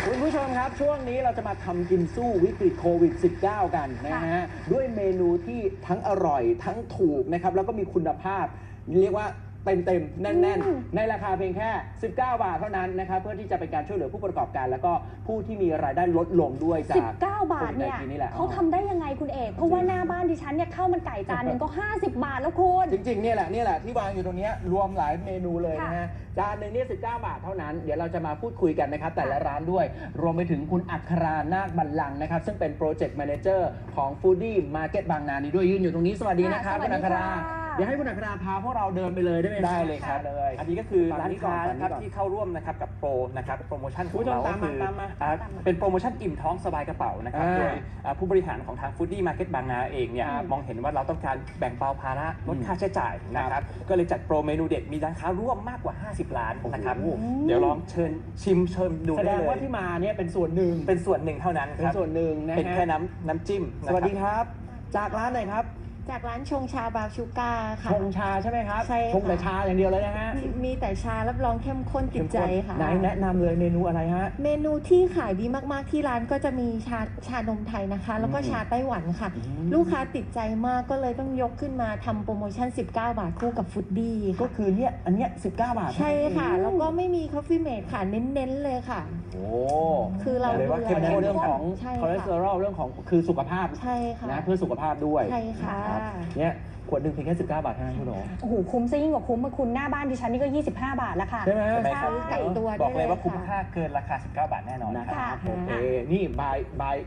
คุณผู้ชมครับช่วงนี้เราจะมาทำกินสู้วิกฤตโควิด -19 กันนะฮะด้วยเมนูที่ทั้งอร่อยทั้งถูกนะครับแล้วก็มีคุณภาพเรียกว่าเต็มแน่นๆในราคาเพียงแค่19 บาทเท่านั้นนะครับเพื่อที่จะเป็นการช่วยเหลือผู้ประกอบการแล้วก็ผู้ที่มีรายได้ลดลงด้วยจาก 19 บาทเนี่ยเขาทำได้ยังไงคุณเอกเพราะว่าหน้าบ้านดิฉันเนี่ยข้าวมันไก่จานหนึ่งก็50 บาทแล้วคุณจริงๆเนี่ยแหละที่วางอยู่ตรงนี้รวมหลายเมนูเลยนะฮะจานหนึ่งนี่19 บาทเท่านั้นเดี๋ยวเราจะมาพูดคุยกันนะครับแต่ละร้านด้วยรวมไปถึงคุณอัครานาคบัลลังก์นะครับซึ่งเป็นโปรเจกต์แมเนเจอร์ของฟู้ดี้มาร์เก็ตบางนานี้ด้วยยืนอยู่ตรงนี้สวัสดีนะครับคุณอัคราเดี๋ยวให้คุณอัคราพาพวกเราเดินไปเลยได้ไหมได้เลยครับอันนี้ก็คือร้านค้านะครับที่เข้าร่วมนะครับกับโปรนะครับโปรโมชั่นของเราก็คือเป็นโปรโมชั่นอิ่มท้องสบายกระเป๋านะครับโดยผู้บริหารของทางฟู้ดดี้มาร์เก็ตบางนาเองเนี่ยมองเห็นว่าเราต้องการแบ่งเบาภาระลดค่าใช้จ่ายนะครับก็เลยจัดโปรเมนูเด็ดมีร้านค้าร่วมมากกว่า50 ร้านนะครับเดี๋ยวลองเชิญดูได้เลยแสดงว่าที่มาเนี่ยเป็นส่วนหนึ่งเท่านั้นครับเป็นส่วนหนึ่งนะฮะเป็นแค่น้ำจิ้มสวัสดีครับจากร้านไหนครับจากร้านชงชาบาวชูก้าค่ะชงชาใช่ไหมครับใช่ชงแต่ชาอย่างเดียวเลยนะฮะมีแต่ชารับรองเข้มข้นติดใจค่ะไหนแนะนำเลยเมนูอะไรฮะเมนูที่ขายดีมากๆที่ร้านก็จะมีชานมไทยนะคะแล้วก็ชาไต้หวันค่ะลูกค้าติดใจมากก็เลยต้องยกขึ้นมาทำโปรโมชั่น19 บาทคู่กับฟูดดี้ก็คือเนี่ยอันเนี้ย19 บาทใช่ค่ะแล้วก็ไม่มีคอฟฟี่เมดค่ะเน้นๆเลยค่ะโอ้คือเราเลยว่าเข้มข้นเรื่องของคอเลสเตอรอลเรื่องของคือสุขภาพใช่ค่ะนะเพื่อสุขภาพด้วยใช่ค่ะเนี่ยขวดหนึ่งเพียงแค่19 บาทเท่านั้นคุณโอ๋โอ้โหคุ้มซะยิ่งกว่าคุ้มมาคุณหน้าบ้านดิฉันนี่ก็25 บาทแล้วค่ะใช่ไหมไก่ตัวบอกเลยว่าคุ้มค่าเกินราคา19 บาทแน่นอนนะครับโอเคนี่บาย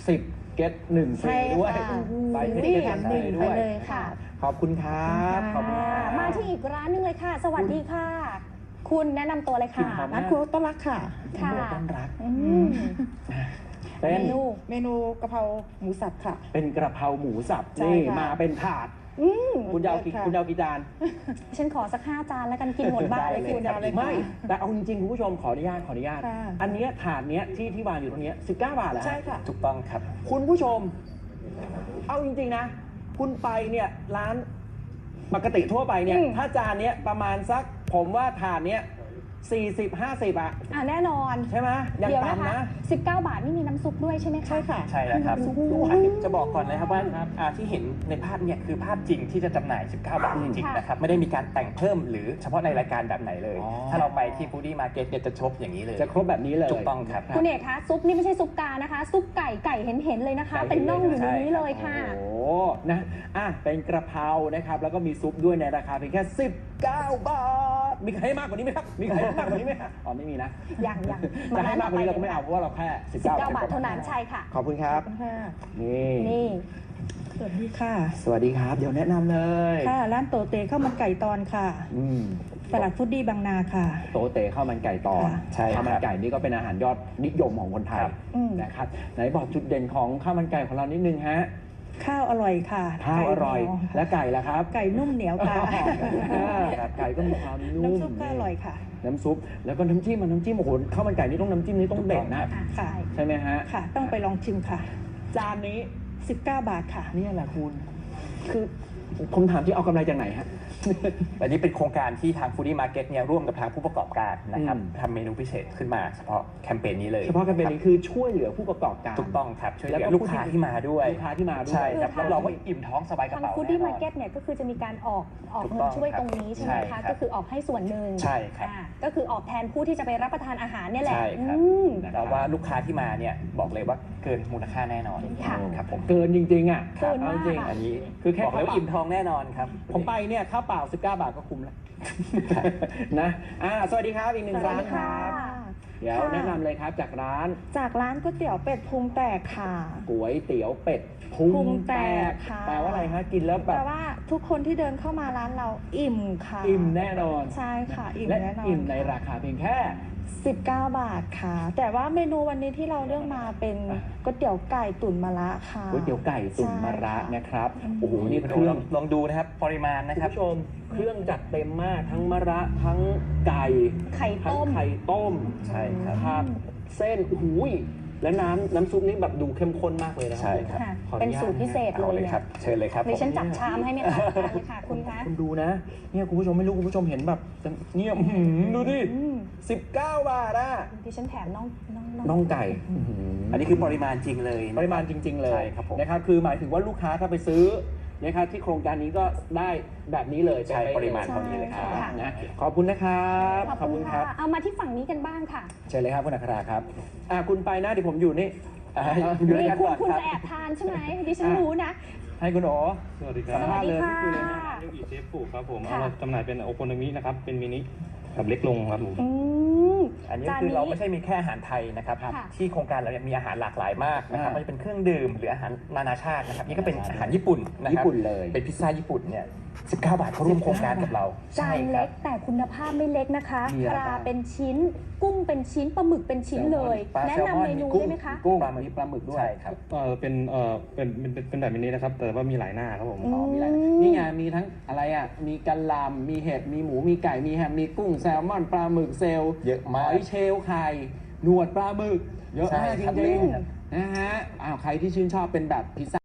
10 เก็ต1ฟรีด้วยบาย10 เก็ต1ฟรีด้วยค่ะขอบคุณครับขอบคุณมาที่อีกร้านนึงเลยค่ะ สวัสดีค่ะคุณแนะนำตัวเลยค่ะร้านครัวต้นรักค่ะต้นรักเป็นเมนูกะเพราหมูสับค่ะเป็นกระเพราหมูสับนี่มาเป็นถาดคุณยาวกี่จานฉันขอสัก5 จานแล้วกันกินหมดบ้านเลยคุณไม่แต่เอาจริงๆคุณผู้ชมขออนุญาตอันนี้ถาดเนี้ยที่วางอยู่ตรงนี้19 บาทแล้วใช่ค่ะถูกต้องครับคุณผู้ชมเอาจริงๆนะคุณไปเนี่ยร้านปกติทั่วไปเนี่ยถ้าจานเนี้ยประมาณสักผมว่าถาดเนี้ย40-50 แน่นอนใช่ไหมยังต่ำนะ 19 บาทนี่มีน้ำซุปด้วยใช่ไหมคะใช่ค่ะใช่แล้วครับจะบอกก่อนเลยครับว่าที่เห็นในภาพเนี่ยคือภาพจริงที่จะจำหน่าย 19 บาทจริงๆนะครับไม่ได้มีการแต่งเพิ่มหรือเฉพาะในรายการแบบไหนเลยถ้าเราไปที่ฟู้ดดี้มาร์เก็ตเนี่ยจะครบอย่างนี้เลยจะครบแบบนี้เลยถูกต้องครับคุณเอกคะซุปนี่ไม่ใช่ซุปกานะคะซุปไก่เห็นเลยนะคะเป็นน่องอยู่ในนี้เลยค่ะโอ้นะเป็นกระเพรานะครับแล้วก็มีซุปด้วยในราคาเพียงแค่19 บาทมีใครให้มากกว่านี้ไหมครับมีใครให้มากกว่านี้ไหมอ๋อไม่มีนะยังจะให้มากกว่านี้เราก็ไม่เอาเพราะว่าเราแค่19 บาทเท่านั้นใช่ค่ะขอบคุณครับนี่สวัสดีค่ะสวัสดีครับเดี๋ยวแนะนำเลยค่ะร้านโตเตข้าวมันไก่ตอนค่ะตลาดฟู้ดดี้บางนาค่ะโตเตข้าวมันไก่ตอนใช่ข้าวมันไก่นี่ก็เป็นอาหารยอดนิยมของคนไทยนะครับไหนบอกจุดเด่นของข้าวมันไก่ของเรานิดนึงฮะข้าวอร่อยค่ะข้าวอร่อยและไก่ล่ะครับไก่นุ่มเหนียวค่ะไก่ก็มีความนุ่มน้ำซุปก็อร่อยค่ะน้ำซุปแล้วก็น้ำจิ้มโอ้โหข้าวมันไก่นี่ต้องน้ำจิ้มนี่ต้องเด็ดนะใช่ไหมฮะค่ะต้องไปลองชิมค่ะจานนี้ 19 บาทค่ะนี่แหละคุณคือผมถามที่เอากำไรจากไหนฮะอันนี้เป็นโครงการที่ทางฟู้ดดี้มาร์เก็ตเนี่ยร่วมกับทางผู้ประกอบการนะครับทำเมนูพิเศษขึ้นมาเฉพาะแคมเปญนี้เลยเฉพาะแคมเปญนี้คือช่วยเหลือผู้ประกอบการถูกต้องครับช่วยเหลือลูกค้าที่มาด้วยใช่ครับรับรองว่าอิ่มท้องสบายกระเป๋าทางฟู้ดดี้มาร์เก็ตเนี่ยก็คือจะมีการออกเงินช่วยตรงนี้ใช่ไหมคะก็คือออกให้ส่วนหนึ่งใช่ครับก็คือออกแทนผู้ที่จะไปรับประทานอาหารเนี่ยแหละใช่ครับแต่ว่าลูกค้าที่มาเนี่ยบอกเลยว่าเกินมูลค่าแน่นอนครับผมเกินจริงๆเกินมากอันนี้คือแค่บอกเลยว่าอิ่มท้องแน่นอนครับผมไปเนี่ยข้าวเปล่า19 บาทก็คุ้มแล้วนะสวัสดีครับอีกหนึ่งร้านครับเดี๋ยวแนะนำเลยครับจากร้านก๋วยเตี๋ยวเป็ดพุงแตกค่ะก๋วยเตี๋ยวเป็ดพุงแตกแปลว่าอะไรฮะกินแล้วแบบแปลว่าทุกคนที่เดินเข้ามาร้านเราอิ่มค่ะอิ่มแน่นอนใช่ค่ะอิ่มแน่นอนอิ่มในราคาเพียงแค่ 19 บาทค่ะแต่ว่าเมนูวันนี้ที่เราเลือกมาเป็นก๋วยเตี๋ยวไก่ตุ๋นมะระค่ะก๋วยเตี๋ยวไก่ตุ๋นมะระนะครับโอ้โหนี่เครื่องลองดูนะครับปริมาณนะครับผู้ชมเครื่องจัดเต็มมากทั้งมะระทั้งไก่ไข่ต้มใช่ครับเส้นและน้ำซุปนี่แบบดูเข้มข้นมากเลยนะครัใช่ครับค่ะขออเป็นญาตสูตรพิเศษเอาเลเลย ยเนี่ครับ เชิญเลยครับดิฉันผมจับชามให้ไม่ทันทานเลยค่ะคุณคะคุณดูนะเนี่ยคุณผู้ชมไม่รู้คุณผู้ชมเห็นแบบเนี่ยอื้อหือดูดิอืม 19 บาทอะดิฉันแถมน้องน่องไก่อันนี้คือปริมาณจริงเลยนะปริมาณจริง ๆ เลยใช่ครับผมนะครับคือหมายถึงว่าลูกค้าถ้าไปซื้อนะครับที่โครงการนี้ก็ได้แบบนี้เลยใช่เป๊ะๆปริมาณเท่านี้เลยครับใช่ค่ะนะขอบคุณนะครับขอบคุณค่ะ เอามาที่ฝั่งนี้กันบ้างค่ะเชิญเลยครับคุณอัคราครับคุณไปนะเดี๋ยวผมอยู่นี่อยู่ด้วยนี่กันคุณก่อนคุณครับจะแอบทานใช่ไหมดิฉันรู้นะให้คุณโอสวัสดีคสัรัมบภาษณ์เลยสวัสดีคุยเลยค่ะนะเรียกอีเชฟผูกครับผมค่ะเราจำหน่ายเป็นโอโคโนมินะครับ เป็นมินิกับเล็กลงครับผมอืมอันนี้จานคือนี้เราไม่ใช่มีแค่อาหารไทยนะครับค่ะที่โครงการเราเนี่ยมีอาหารหลากหลายมากนะครับอ่าไม่ว่าจะเป็นเครื่องดื่มหรืออาหารนานาชาตินะครับนี่ก็เป็นอาหารญี่ปุ่นนะคญี่รับปุ่นเลยเป็นพิซซ่าญี่ปุ่นเนี่ย19 บาทเขาร่วมโครงการกับเราจานคเล็รับกแต่คุณภาพไม่เล็กนะคะมีอะไรปลาบ้างเป็นชิ้น กุ้งเป็นชิ้นปลาหมึกเป็นชิ้นเลยปลาแนะแซลมอนนำเมนูกุ้งได้ไหมคะกุ้งมีปลาหมึกด้วยใช่ครับเป็นแบบมินินะครับ แต่ว่ามีหลายหน้าครับผมอืมมีอะไรนี่ไงมีทั้งอะไรอ่ะมีกะหล่ำมีเห็ดมีหมูมีไก่มีแฮมมีกุ้งแซลมอนปลาหมึกเซลล์เยอะหมากอยเชลล์ไข่หนวดปลาหมึกเยอะมากใช่จครับริงๆนะฮะใครที่ชื่นชอบเป็นแบบพิซซ่า